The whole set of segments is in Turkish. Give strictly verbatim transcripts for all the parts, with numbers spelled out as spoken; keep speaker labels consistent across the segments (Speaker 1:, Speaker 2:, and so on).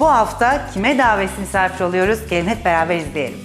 Speaker 1: Bu hafta kime davetsiz misafir oluyoruz? Gelin hep beraber izleyelim.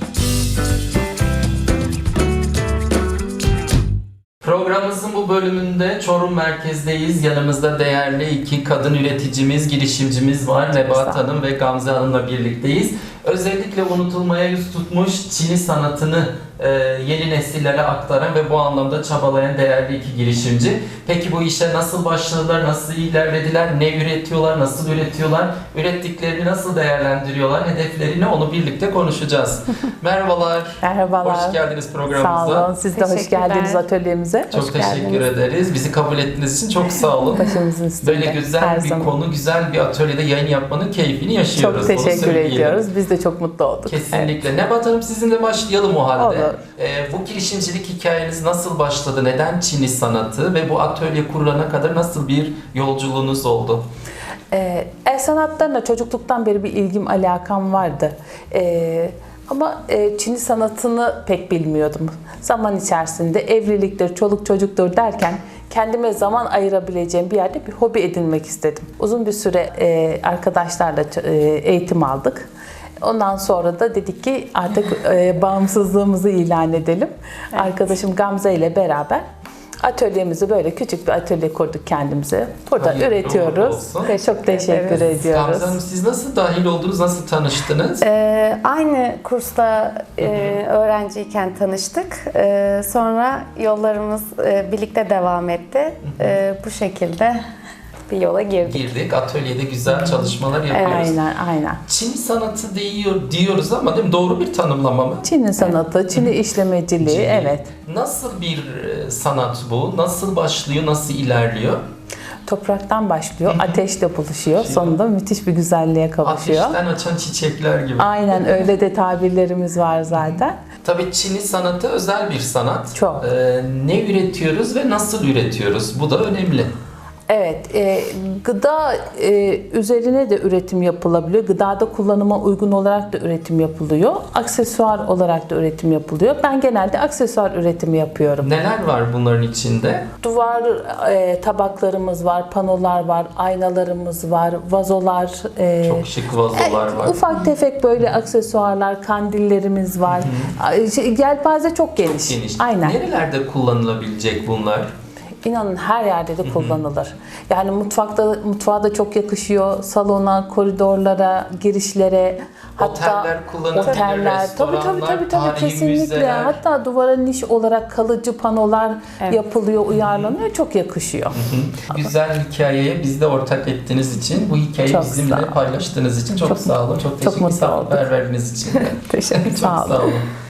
Speaker 2: Programımızın bu bölümünde Çorum merkezdeyiz. Yanımızda değerli iki kadın üreticimiz, girişimcimiz var. Nebahat Hanım ve Gamze Hanım'la birlikteyiz. Özellikle unutulmaya yüz tutmuş Çini sanatını e, yeni nesillere aktaran ve bu anlamda çabalayan değerli iki girişimci. Peki bu işe nasıl başladılar, nasıl ilerlediler, ne üretiyorlar, nasıl üretiyorlar, ürettiklerini nasıl değerlendiriyorlar, hedefleri ne, onu birlikte konuşacağız. Merhabalar.
Speaker 3: Merhabalar.
Speaker 2: Hoş geldiniz programımıza.
Speaker 3: Sağ olun. Siz de hoş geldiniz atölyemize.
Speaker 2: Çok
Speaker 3: hoş
Speaker 2: teşekkür
Speaker 3: geldiniz.
Speaker 2: ederiz. Bizi kabul ettiğiniz için çok sağ olun.
Speaker 3: Başımızın üstünde.
Speaker 2: Böyle güzel
Speaker 3: Her
Speaker 2: bir
Speaker 3: zaman.
Speaker 2: konu, güzel bir atölyede yayın yapmanın keyfini yaşıyoruz.
Speaker 3: Çok
Speaker 2: Onu
Speaker 3: teşekkür
Speaker 2: söyleyelim.
Speaker 3: ediyoruz. Biz de çok mutlu olduk.
Speaker 2: Kesinlikle. Nebahat Hanım, sizinle başlayalım o halde.
Speaker 3: Olur.
Speaker 2: Ee, bu girişimcilik hikayeniz nasıl başladı? Neden Çini sanatı ve bu atölye kurulana kadar nasıl bir yolculuğunuz oldu?
Speaker 3: Ee, el sanatlarına çocukluktan beri bir ilgim, alakam vardı. Ee, ama e, Çini sanatını pek bilmiyordum. Zaman içerisinde evliliktir, çoluk çocuktur derken kendime zaman ayırabileceğim bir yerde bir hobi edinmek istedim. Uzun bir süre e, arkadaşlarla e, eğitim aldık. Ondan sonra da dedik ki artık e, bağımsızlığımızı ilan edelim. Evet. Arkadaşım Gamze ile beraber atölyemizi, böyle küçük bir atölye kurduk kendimize. Burada
Speaker 2: Hayırlı
Speaker 3: üretiyoruz
Speaker 2: olsun.
Speaker 3: ve çok teşekkür
Speaker 4: ederiz.
Speaker 3: ediyoruz.
Speaker 2: Gamze Hanım, siz nasıl dahil oldunuz, nasıl tanıştınız?
Speaker 4: Ee, aynı kursta e, öğrenciyken tanıştık. Ee, sonra yollarımız e, birlikte devam etti. Ee, bu şekilde bir yola girdik.
Speaker 2: Girdik, atölyede güzel çalışmalar yapıyoruz.
Speaker 3: Aynen, aynen.
Speaker 2: Çin sanatı diyor, diyoruz ama değil mi? Doğru bir tanımlama mı?
Speaker 3: Çin'in sanatı, Çin'i işlemeciliği,
Speaker 2: Çin.
Speaker 3: evet.
Speaker 2: Nasıl bir e, sanat bu? Nasıl başlıyor, nasıl ilerliyor?
Speaker 3: Topraktan başlıyor, ateşle buluşuyor. Sonunda müthiş bir güzelliğe kavuşuyor.
Speaker 2: Ateşten açan çiçekler gibi.
Speaker 3: Aynen, öyle de tabirlerimiz var zaten.
Speaker 2: Tabii Çin'i sanatı özel bir sanat.
Speaker 3: Çok.
Speaker 2: Ee, ne üretiyoruz ve nasıl üretiyoruz? Bu da önemli.
Speaker 3: Evet, e, gıda e, üzerine de üretim yapılabiliyor. Gıdada kullanıma uygun olarak da üretim yapılıyor. Aksesuar olarak da üretim yapılıyor. Ben genelde aksesuar üretimi yapıyorum.
Speaker 2: Neler var bunların içinde?
Speaker 3: Duvar e, tabaklarımız var, panolar var, aynalarımız var, vazolar. e,
Speaker 2: Çok şık vazolar
Speaker 3: e,
Speaker 2: var.
Speaker 3: Ufak tefek böyle aksesuarlar, kandillerimiz var. Hı-hı. Yelpaze çok geniş.
Speaker 2: Geniş.
Speaker 3: Aynen.
Speaker 2: Nerelerde kullanılabilecek bunlar?
Speaker 3: İnanın her yerde de kullanılır. Yani mutfakta mutfağa da çok yakışıyor. Salona, koridorlara, girişlere, hatta
Speaker 2: Oteller kullanılabilir,
Speaker 3: oteller. Tabii tabii
Speaker 2: restoranlar,
Speaker 3: tabii tabii
Speaker 2: tarihi
Speaker 3: kesinlikle.
Speaker 2: müzeler.
Speaker 3: Hatta duvara niş olarak kalıcı panolar
Speaker 4: Evet.
Speaker 3: yapılıyor, uyarlanıyor. Çok yakışıyor.
Speaker 2: Hı. Güzel hikayeye biz de ortak ettiğiniz için, bu hikayeyi
Speaker 3: Çok
Speaker 2: bizimle
Speaker 3: sağ olun.
Speaker 2: paylaştığınız için çok,
Speaker 3: Çok
Speaker 2: sağ olun. Çok teşekkür
Speaker 3: mutlu
Speaker 2: ederim
Speaker 3: olduk.
Speaker 2: haber verdiğiniz için de.
Speaker 3: Teşekkür
Speaker 2: Çok
Speaker 3: sağ olun.
Speaker 2: sağ olun.